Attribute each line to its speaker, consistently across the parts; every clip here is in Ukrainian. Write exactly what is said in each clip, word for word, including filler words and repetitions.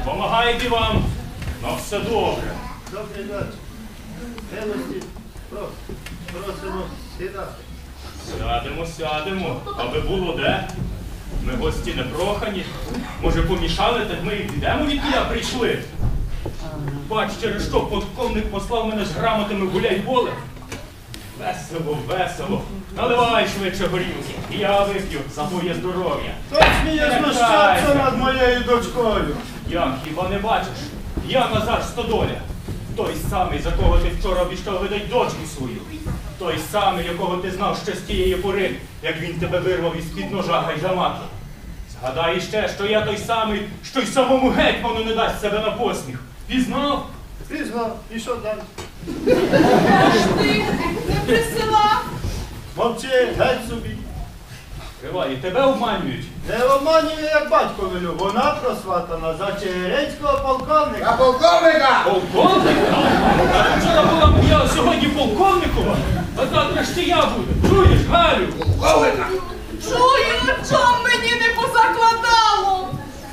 Speaker 1: Помагайте вам на все добре.
Speaker 2: Добрий вечір. Милості, просимо сідати.
Speaker 1: Сядемо, сядемо, аби було де. Ми гості не прохані. Може, помішали, так ми і підемо, від я прийшли. Бач, через що полковник послав мене з грамотами гуляй поле. Весело, весело. Наливай швидше горілки. І я вип'ю за твоє здоров'я.
Speaker 2: Хто сміє знущатися над моєю дочкою?
Speaker 1: Як, хіба не бачиш? Я Назар Стодоля. Той самий, за кого ти вчора обіщав видать дочку свою. Той самий, якого ти знав ще з тієї пори, як він тебе вирвав із-під ножа гайдамаки. Згадай іще, що я той самий, що й самому гетьману не дасть себе на посміх. Пізнав?
Speaker 2: Пізнав. І що далі?
Speaker 3: Аж ти не присилав?
Speaker 2: Мовчи, геть собі.
Speaker 1: Тривай, і тебе обманюють.
Speaker 2: Не обманює, як батько велю. Вона просватана за чигиринського полковника.
Speaker 4: А полковника!
Speaker 1: Полковника? А вчора була моя, а сьогодні полковникова? А завтра ще я буду. Чуєш, Галю?
Speaker 4: Полковника!
Speaker 3: Чую, чом мені не позакладало.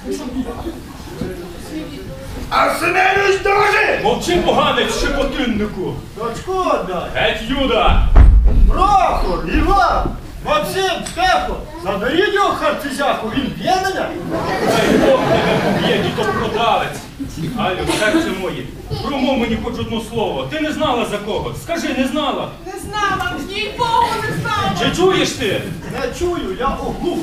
Speaker 4: А Семенович дуже!
Speaker 1: Мовчи, поганець, щепотиннику.
Speaker 2: Дочку отдай.
Speaker 1: Геть, Юда!
Speaker 2: Прохор, Іван, Максим, Стефо, заберіть його харцизяку, він б'є мене.
Speaker 1: Дай Бог тебе поб'є, дідо продавець. Галю, серце моє, промов мені хоч одне слово. Ти не знала за кого? Скажи, не знала?
Speaker 3: Не знала, їй Богу не знала.
Speaker 1: Чи чуєш ти?
Speaker 2: Не чую, я оглух.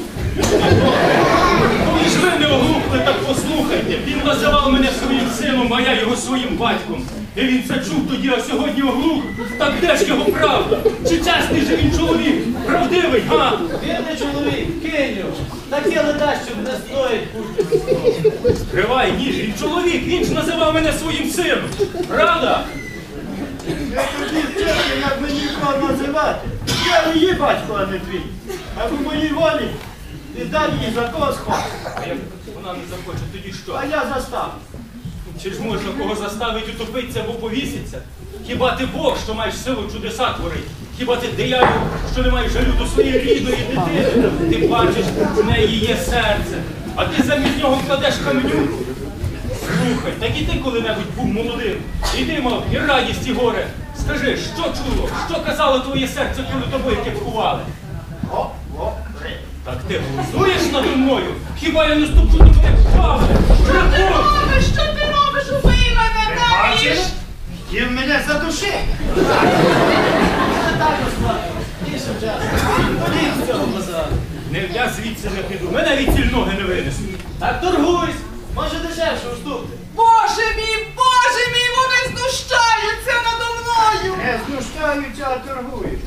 Speaker 1: Коли ж ви не оглухли, так послухайте. Він називав мене своїм сином, а я його своїм батьком. І він це чув тоді, а сьогодні оглух. Так де ж його правда? Чи чесний же він чоловік? Правдивий, га?
Speaker 5: Він не чоловік, кинь його. Таке не дасть, щоб не стоїть пустити.
Speaker 1: Скривай, ніж, він чоловік, він ж називав мене своїм сином. Правда?
Speaker 2: Я тобі вчити, як мені кого називати. Я її батько, а не твій. А в моїй волі віддай її за когось хочеш.
Speaker 1: А як вона не захоче, тоді що?
Speaker 2: А я заставлю.
Speaker 1: Чи ж можна кого заставити утопитися або повіситься? Хіба ти Бог, що маєш силу чудеса творити? Хіба ти диявол, що не маєш жалю до своєї рідної дитини? Ти бачиш, в неї є серце, а ти замість нього кладеш каменюку. Слухай, так і ти коли-небудь був молодим. І ти мав і радість, і горе. Скажи, що чуло, що казало твоє серце, коли тобою кепкували?
Speaker 2: О, о, ри.
Speaker 1: Так ти глузуєш надо мною? Хіба я не ступчу до тебе вправи?
Speaker 3: Що ти робиш? Що ти робиш? Убий мене, навіж!
Speaker 2: Хотів мене задушити.
Speaker 5: Не так розплати. Більше часу. Ходіть з цього базару.
Speaker 1: Не, я звідси не піду, мене від ціль ноги не винесуть.
Speaker 5: Так торгуйсь. Може дешевше уступити.
Speaker 3: Боже мій, Боже мій, вони знущаються надо мною!
Speaker 2: Не знущаються, а торгують.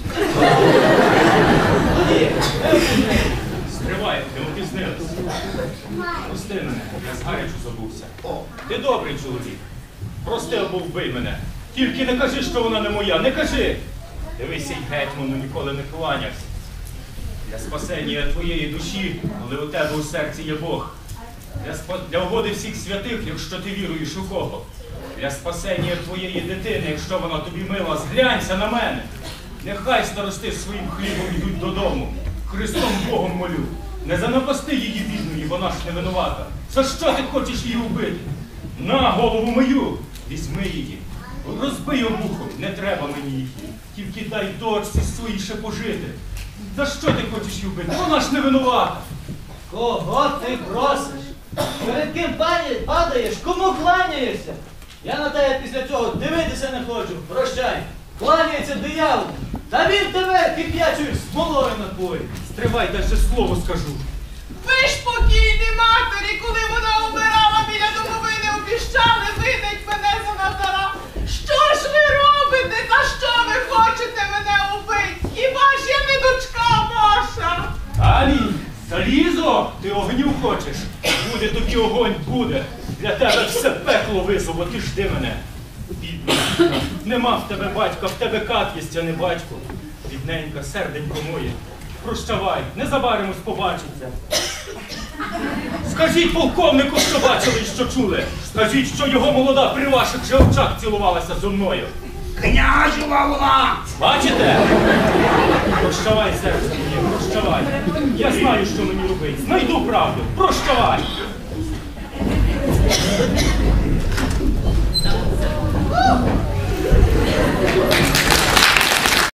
Speaker 5: Тоді, випусти.
Speaker 1: Стривай, не опізнилися. Прости мене, я згарячу забувся. Ти добрий чоловік. Прости або вбий мене. Тільки не кажи, що вона не моя, не кажи. Дивися, й гетьману ніколи не кланявся. Для спасення твоєї душі, коли у тебе у серці є Бог. Для, спа... для угоди всіх святих, якщо ти віруєш у кого. Для спасення твоєї дитини, якщо вона тобі мила, зглянься на мене. Нехай старости своїм хлібом йдуть додому. Христом Богом молю. Не занапасти її бідної, вона ж не винувата. За що ти хочеш її убити? На голову мою, візьми її. Розбий обухом, не треба мені її. Тільки дай дочці своїй ще пожити. За що ти хочеш її убити? Вона ж не винувата.
Speaker 5: Кого ти просиш? Перед ким пані- падаєш? Кому кланяєшся? Я на тебе після цього дивитися не хочу. Прощай. Кланяється диявол. Та він тебе кип'ячою смолою напоїть.
Speaker 1: Стривай, дай ще слово скажу.
Speaker 3: Ви ж покійні матері, коли вона обирала біля домовини, обіщали видать мене за Назара. Що ж ви робите? За що ви хочете мене убити? Хіба ж я не дочка ваша?
Speaker 1: Алі, залізо, ти огню хочеш? Буде тобі огонь, буде. Для тебе все пекло визово, ти жди мене. Бідна, бідна, нема в тебе батька, в тебе кат єсть, а не батько. Бідненька, серденько моє, прощавай, незабаримось побачиться. Скажіть полковнику, що бачили і що чули. Скажіть, що його молода при ваших же очах цілувалася зо мною.
Speaker 4: Княжева вона!
Speaker 1: Бачите? Прощавай, серце моє, прощавай. Я знаю, що мені робити. Знайду правду. Прощавай.